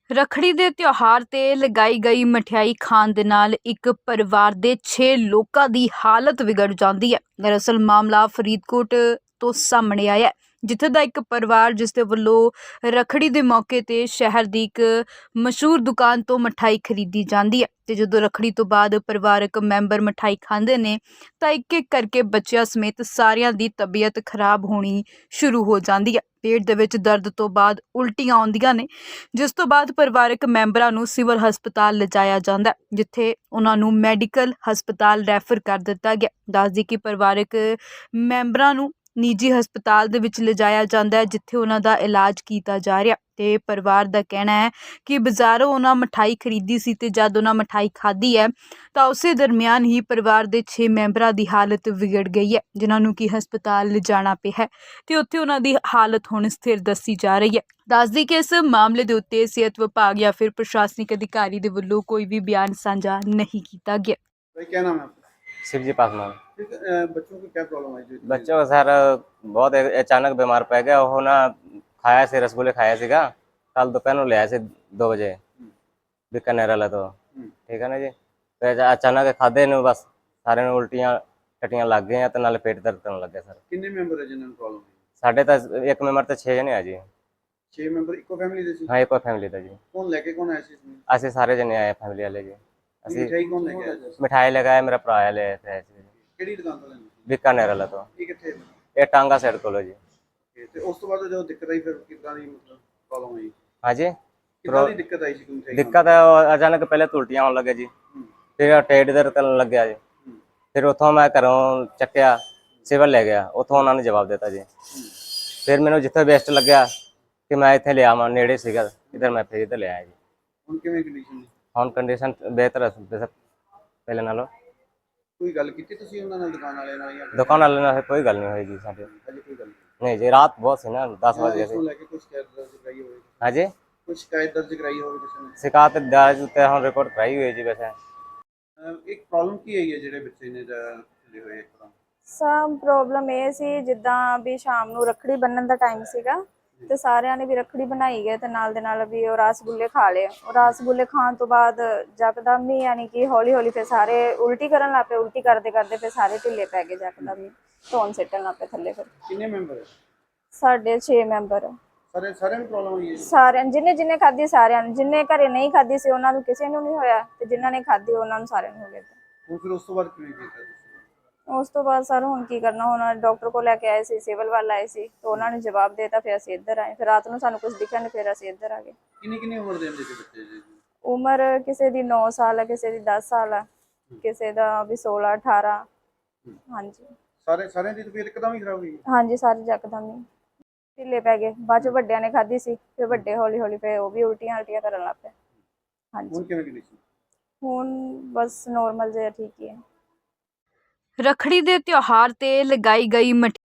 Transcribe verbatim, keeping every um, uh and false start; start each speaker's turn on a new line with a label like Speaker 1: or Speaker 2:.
Speaker 1: ਰੱਖੜੀ ਦੇ ਤਿਉਹਾਰ ਤੇ ਲਗਾਈ ਗਈ ਮਠਿਆਈ ਖਾਣ ਦੇ ਨਾਲ ਇੱਕ ਪਰਿਵਾਰ ਦੇ ਛੇ ਲੋਕਾਂ ਦੀ ਹਾਲਤ ਵਿਗੜ ਜਾਂਦੀ ਹੈ। ਦਰਅਸਲ ਮਾਮਲਾ ਫਰੀਦਕੋਟ ਤੋਂ ਸਾਹਮਣੇ ਆਇਆ ਹੈ, ਜਿੱਥੇ ਦਾ ਇੱਕ ਪਰਿਵਾਰ ਜਿਸ ਦੇ ਵੱਲੋਂ ਰੱਖੜੀ ਦੇ ਮੌਕੇ ਤੇ ਸ਼ਹਿਰ ਦੀ ਇੱਕ ਮਸ਼ਹੂਰ ਦੁਕਾਨ ਤੋਂ ਮਠਾਈ ਖਰੀਦੀ ਜਾਂਦੀ ਹੈ ਤੇ ਜਦੋਂ ਰੱਖੜੀ ਤੋਂ ਬਾਅਦ ਪਰਿਵਾਰਕ ਮੈਂਬਰ ਮਠਾਈ ਖਾਂਦੇ ਨੇ ਤਾਂ ਇੱਕ ਇੱਕ ਕਰਕੇ ਬੱਚਿਆਂ ਸਮੇਤ ਸਾਰਿਆਂ ਦੀ ਤਬੀਅਤ ਖਰਾਬ ਹੋਣੀ ਸ਼ੁਰੂ ਹੋ ਜਾਂਦੀ ਹੈ। ਪੇਟ ਦੇ ਵਿੱਚ ਦਰਦ ਤੋਂ ਬਾਅਦ ਉਲਟੀਆਂ ਆਉਂਦੀਆਂ ਨੇ, ਜਿਸ ਤੋਂ ਬਾਅਦ ਪਰਿਵਾਰਕ ਮੈਂਬਰਾਂ ਨੂੰ ਸਿਵਲ ਹਸਪਤਾਲ ਲਿਜਾਇਆ ਜਾਂਦਾ ਹੈ, ਜਿੱਥੇ ਉਹਨਾਂ ਨੂੰ ਮੈਡੀਕਲ ਹਸਪਤਾਲ ਰੈਫਰ ਕਰ ਦਿੱਤਾ ਗਿਆ। ਦੱਸਦੀ ਕਿ ਪਰਿਵਾਰਕ ਮੈਂਬਰਾਂ ਨੂੰ ਨਿੱਜੀ ਹਸਪਤਾਲ ਦੇ ਵਿੱਚ ਲਿਜਾਇਆ ਜਾਂਦਾ ਹੈ, ਜਿੱਥੇ ਉਹਨਾਂ ਦਾ ਇਲਾਜ ਕੀਤਾ ਜਾ ਰਿਹਾ ਤੇ ਪਰਿਵਾਰ ਦਾ ਕਹਿਣਾ ਹੈ ਕਿ ਬਾਜ਼ਾਰੋਂ ਉਹਨਾਂ ਮਠਾਈ ਖਰੀਦੀ ਸੀ ਤੇ ਜਦ ਉਹਨਾਂ ਮਠਾਈ ਖਾਧੀ ਹੈ ਤਾਂ ਉਸੇ ਦਰਮਿਆਨ ਹੀ ਪਰਿਵਾਰ ਦੇ ਛੇ ਮੈਂਬਰਾਂ ਦੀ ਹਾਲਤ ਵਿਗੜ ਗਈ ਹੈ, ਜਿਨ੍ਹਾਂ ਨੂੰ ਕਿ ਹਸਪਤਾਲ ਲਿਜਾਣਾ ਪਿਆ ਹੈ ਤੇ ਉੱਥੇ ਉਹਨਾਂ ਦੀ ਹਾਲਤ ਹੁਣ ਸਥਿਰ ਦੱਸੀ ਜਾ ਰਹੀ ਹੈ। ਦੱਸਦੀ ਕਿ ਇਸ ਮਾਮਲੇ ਦੇ ਉੱਤੇ ਸਿਹਤ ਵਿਭਾਗ ਜਾਂ ਫਿਰ ਪ੍ਰਸ਼ਾਸनिक ਅਧਿਕਾਰੀ ਦੇ ਵੱਲੋਂ ਕੋਈ ਵੀ ਬਿਆਨ ਸਾਂਝਾ नहीं ਕੀਤਾ ਗਿਆ।
Speaker 2: भाई क्या नाम है आपका?
Speaker 3: शिवजी पासवान।
Speaker 2: ठीक है, अ, बच्चों को क्या प्रॉब्लम है जो
Speaker 3: बच्चों को सर बहुत ए- अचानक बीमार पै गया। वो ना खाया से रसगुल्ले खाया सीगा कल दोपहर ਨੂੰ ਲਿਆ ਸੀ दो बजे बीकानेर वाला तो ठीक है ना जी। ਤੇ ਅਚਾਨਕ ਖਾਦੇ ਨੂੰ ਬਸ ਸਾਰਿਆਂ ਨੂੰ ਉਲਟੀਆਂ ਟੱਟੀਆਂ ਲੱਗ ਗਈਆਂ ਤੇ ਨਾਲ ਪੇਟ ਦਰਦ ਕਰਨ ਲੱਗਾ ਸਰ।
Speaker 2: ਕਿੰਨੇ ਮੈਂਬਰ ਹੈ ਜਿਨ੍ਹਾਂ ਨੂੰ ਪ੍ਰੋਬਲਮ ਹੈ?
Speaker 3: ਸਾਡੇ ਤਾਂ ਇੱਕ ਮੈਂਬਰ ਤੇ ਛੇ ਜਣੇ ਆ ਜੀ।
Speaker 2: ਛੇ ਮੈਂਬਰ ਇੱਕੋ ਫੈਮਿਲੀ ਦੇ ਸੀ?
Speaker 3: ਹਾਂ ਇੱਕੋ ਫੈਮਿਲੀ ਦਾ ਜੀ।
Speaker 2: ਕੌਣ ਲੈ ਕੇ ਕੌਣ ਆਇਆ ਸੀ ਇਸमें?
Speaker 3: ਅਸੀਂ ਸਾਰੇ ਜਣੇ ਆਏ ਫੈਮਿਲੀ ਵਾਲੇ ਜੀ। ਅਸੀਂ
Speaker 2: ਮਿਠਾਈ ਕੌਣ ਲੈ ਕੇ ਆਇਆ ਸੀ?
Speaker 3: ਮਿਠਾਈ ਲਗਾਇਆ ਮੇਰਾ ਭਰਾ ਆ ਲਿਆ ਸੀ
Speaker 2: ਕਿਹੜੀ ਦੁਕਾਨ ਤੋਂ ਲੈਣੀ?
Speaker 3: बीकानेर वाला तो
Speaker 2: ਇਹ ਕਿੱਥੇ ਹੈ?
Speaker 3: ਇਹ ਟਾਂਗਾ ਸਾਈਡ ਕੋਲ ਜੀ।
Speaker 2: Okay, ਤੇ ਉਸ ਤੋਂ ਬਾਅਦ ਜਦੋਂ ਦਿੱਕਤ ਆਈ ਫਿਰ ਕਿੱਦਾਂ ਦੀ ਮਤਲਬ ਪ੍ਰੋਬਲਮ ਆਈ?
Speaker 3: हाँ जी
Speaker 2: ਕਿੱਦਾਂ ਦੀ ਦਿੱਕਤ ਆਈ ਸੀ ਕਿ ਮਿਠਾਈ
Speaker 3: ਦਿੱਕਤ ਹੈ ਉਹ ਅਚਾਨਕ ਪਹਿਲੇ तो ਉਲਟੀਆਂ ਹੋਣ ਲੱਗੇ ਜੀ, ਫਿਰ ਟੇਡ ਦਰਦ ਕਰਨ ਲੱਗਿਆ ਜੀ। ਫਿਰ ਉੱਥੋਂ ਮੈਂ ਘਰੋਂ ਚੱਕਿਆ ਸਿਵਲ ਲੈ ਗਿਆ, ਉੱਥੋਂ ਉਹਨਾਂ ਨੇ ਜਵਾਬ ਦਿੱਤਾ ਜੀ। ਫਿਰ ਮੈਨੂੰ ਜਿੱਥੇ ਬੈਸਟ ਲੱਗਿਆ ਕਿ ਮੈਂ ਇੱਥੇ ਲਿਆ ਮੈਂ ਨੇੜੇ ਸੀਗਾ ਇਧਰ ਮੈਂ ਫਿਰ ਇੱਧਰ ਲਿਆਇਆ ਜੀ।
Speaker 2: ਹੁਣ ਕਿਵੇਂ ਕੰਡੀਸ਼ਨ ਹੈ?
Speaker 3: ਹੁਣ ਕੰਡੀਸ਼ਨ ਬਿਹਤਰ ਹੈ ਵੈਸੇ ਪਹਿਲੇ ਨਾਲੋਂ।
Speaker 2: ਕੋਈ ਗੱਲ ਕੀਤੀ ਤੁਸੀਂ ਉਹਨਾਂ ਨਾਲ ਦੁਕਾਨ ਵਾਲਿਆਂ ਨਾਲ ਜਾਂ
Speaker 3: ਦੁਕਾਨ ਵਾਲੇ ਨਾਲ ਕੋਈ ਗੱਲ ਨਹੀਂ ਹੋਈ ਜੀ ਸਾਡੇ।
Speaker 2: ਹਜੇ ਕੋਈ ਗੱਲ ਨਹੀਂ?
Speaker 3: ਨਹੀਂ ਜੀ ਰਾਤ ਬਹੁਤ ਸੀ ਨਾ ਦਸ ਵਜ ਗਏ
Speaker 2: ਉਸ ਨੂੰ
Speaker 3: ਸੀ।
Speaker 2: ਲੈ ਕੇ ਕੁਝ ਸ਼ਿਕਾਇਤ ਦਰਜ ਕਰਾਈ ਹੋਵੇ?
Speaker 3: हाँ जी
Speaker 2: ਕੁਝ ਸ਼ਿਕਾਇਤ ਦਰਜ ਕਰਾਈ ਹੋਵੇ ਕਿਸੇ ਨੇ?
Speaker 3: शिकायत दर्ज उत्ते हम रिपोर्ट कराई हुई है जी वैसे।
Speaker 2: ਅਹ ਇੱਕ ਪ੍ਰੋਬਲਮ ਕੀ ਆਈ ਹੈ ਜਿਹੜੇ ਬੱਚੇ ਨੇ ਜਾਂ ਢਿੱਲੇ ਹੋਏ ਇੱਕਦਮ?
Speaker 4: ਸਭ ਪ੍ਰੋਬਲਮ ਇਹ ਸੀ ਜਿੱਦਾਂ ਵੀ ਸ਼ਾਮ ਨੂੰ ਰੱਖੜੀ ਬੰਨਣ ਦਾ ਟਾਈਮ ਸੀਗਾ ਤੇ ਸਾਰਿਆਂ ਨੇ ਵੀ ਰੱਖੜੀ ਬਣਾਈ ਗਏ ਤੇ ਨਾਲ ਦੇ ਨਾਲ ਵੀ ਉਹ ਰਸਗੁੱਲੇ ਖਾ ਲਏ। ਉਹ ਰਸਗੁੱਲੇ ਖਾਣ ਤੋਂ ਬਾਅਦ ਜਕਦਮ ਹੀ ਯਾਨੀ ਕਿ ਹੌਲੀ ਹੌਲੀ ਫਿਰ ਸਾਰੇ ਉਲਟੀ ਕਰਨ ਲੱਗ ਪਏ। ਉਲਟੀ ਕਰਦੇ ਕਰਦੇ ਫਿਰ ਸਾਰੇ ਢਿੱਲੇ ਪੈ ਗਏ, ਜਕਦਮ ਹੀ ਧੌਣ ਸਿੱਟਣ ਲੱਗ ਪਏ ਥੱਲੇ। ਫਿਰ
Speaker 2: ਕਿੰਨੇ ਮੈਂਬਰ ਹੈ?
Speaker 4: ਸਾਡੇ ਛੇ ਮੈਂਬਰ
Speaker 2: ਸਾਰੇ ਸਾਰਿਆਂ ਨੂੰ ਪ੍ਰੋਬਲਮ ਹੋਈ ਹੈ?
Speaker 4: ਸਾਰਿਆਂ ਜਿੰਨੇ ਜਿੰਨੇ ਖਾਧੀ ਸਾਰਿਆਂ ਨੂੰ, ਜਿੰਨੇ ਘਰੇ ਨਹੀਂ ਖਾਧੀ ਸੀ ਉਹਨਾਂ ਨੂੰ ਕਿਸੇ ਨੂੰ ਨਹੀਂ ਹੋਇਆ ਤੇ ਜਿਨ੍ਹਾਂ ਨੇ ਖਾਧੀ ਉਹਨਾਂ ਨੂੰ ਸਾਰਿਆਂ ਨੂੰ ਹੋ ਗਿਆ।
Speaker 2: ਹੁਣ ਫਿਰ ਉਸ ਤੋਂ ਬਾਅਦ ਕਿਵੇਂ ਕੀਤਾ ਤੁਸੀਂ?
Speaker 4: ਉਸ ਤੋਂ ਬਾਅਦ ਸਰ ਹੁਣ ਕੀ ਕਰਨਾ, ਹੁਣ ਡਾਕਟਰ ਕੋਲ ਲੈ ਕੇ ਆਏ ਸੀ, ਸਿਵਲ ਵੱਲ ਆਏ ਸੀ ਤੇ ਉਹਨਾਂ ਨੇ ਜਵਾਬ ਦੇਤਾ। ਫਿਰ ਅਸੀਂ ਇੱਧਰ ਆਏ, ਫਿਰ ਰਾਤ ਨੂੰ ਸਾਨੂੰ ਕੁਝ ਦਿਖਿਆ ਨਹੀਂ, ਫਿਰ ਅਸੀਂ ਇੱਧਰ ਆ ਗਏ।
Speaker 2: ਕਿੰਨੀ ਕਿੰਨੀ ਉਮਰ ਦੇ ਹੁੰਦੇ ਸੀ ਬੱਚੇ ਜੀ?
Speaker 4: ਉਮਰ ਕਿਸੇ ਦੀ ਨੌ ਸਾਲ ਹੈ, ਕਿਸੇ ਦੀ ਦਸ ਸਾਲ ਹੈ, ਕਿਸੇ ਦਾ ਵੀ ਸੋਲਾਂ ਅਠਾਰਾਂ। ਹਾਂਜੀ
Speaker 2: ਸਾਰੇ ਸਾਰਿਆਂ ਦੀ ਤਬੀਅਤ ਇੱਕਦਮ ਹੀ ਖਰਾਬ ਹੋਈ?
Speaker 4: ਹਾਂਜੀ ਸਾਰੇ ਜਕਦਮ ਹੀ ਢਿੱਲੇ ਪੈ ਗਏ। ਬਾਅਦ ਚ ਵੱਡਿਆਂ ਨੇ ਖਾਧੀ ਸੀ, ਫਿਰ ਵੱਡੇ ਹੌਲੀ ਹੌਲੀ ਫਿਰ ਉਹ ਵੀ ਉਲਟੀਆਂ ਉਲਟੀਆਂ ਕਰਨ ਲੱਗ ਪਏ। ਹਾਂਜੀ
Speaker 2: ਹੁਣ ਕਿਵੇਂ ਕੰਡੀਸ਼ਨ?
Speaker 4: ਹੁਣ ਬਸ ਨੋਰਮਲ ਜਿਹਾ ਠੀਕ ਹੀ ਹੈ।
Speaker 1: ਰੱਖੜੀ ਦੇ ਤਿਉਹਾਰ ਤੇ ਲਗਾਈ ਗਈ ਮਠਿਆਈ